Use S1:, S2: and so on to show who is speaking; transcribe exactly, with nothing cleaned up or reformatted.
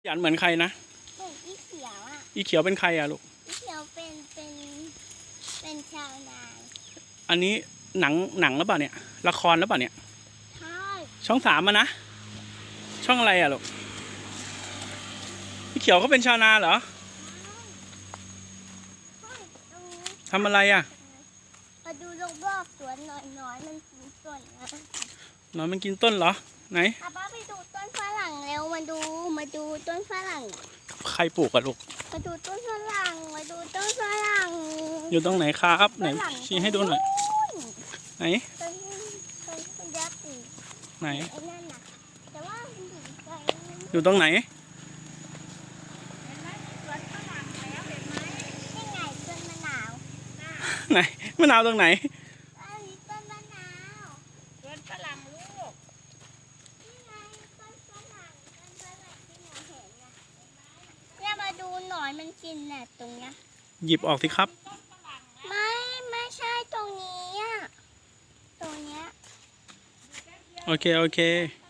S1: หยันเหมือนใครนะ
S2: เหมือนอีเขียวอ่ะ
S1: อีเขียวเป็นใครอะลูก
S2: อีเขียวเป็นเป็นเป็นชาวนา
S1: อันนี้หนังหนังหรือเปล่าเนี่ยละครหรือเปล่าเนี่ย
S2: ใช่
S1: ช่องสามอะนะช่องอะไรอะลูกอีเขียวเขาเป็นชาวนาเหรอทำอะไรอะ
S2: มาดูรอบๆสวนหน่อยน้อยมันกินต้นนะ
S1: หนอนมันกินต้นเหรอไหน
S2: ป้าป้าไปดูต้นฝรั่งเร็วมาดูมาดูต้นฝรั่ง
S1: ใครปลูกอะลูก
S2: มาดูต้นฝรั่งมาดูต้นฝรั่ง
S1: อยู่ตรงไหนครับไหนชี้ให้ดูหน่อยไหน
S2: ต้นต้นต้นยักษ์อีก
S1: ไหน
S2: ไอ้นั่นน่ะแต่ว่ามันอยู่ไกล
S1: อยู่ตรงไหนไหนมะนาวตรงไหน
S2: อันนี้ต้นมะนาวต้นฝรั่งลูกนี่ไงต้นฝรั่งต้นฝรั่งที่หนูเห็นนะเนี่ยมาดูหนอนมันกินน่ะตรงเนี้ย
S1: หยิบออกสิครับ
S2: ไม่ไม่ใช่ตรงนี้อ่ะตรงเนี้ย
S1: โอเคโอเค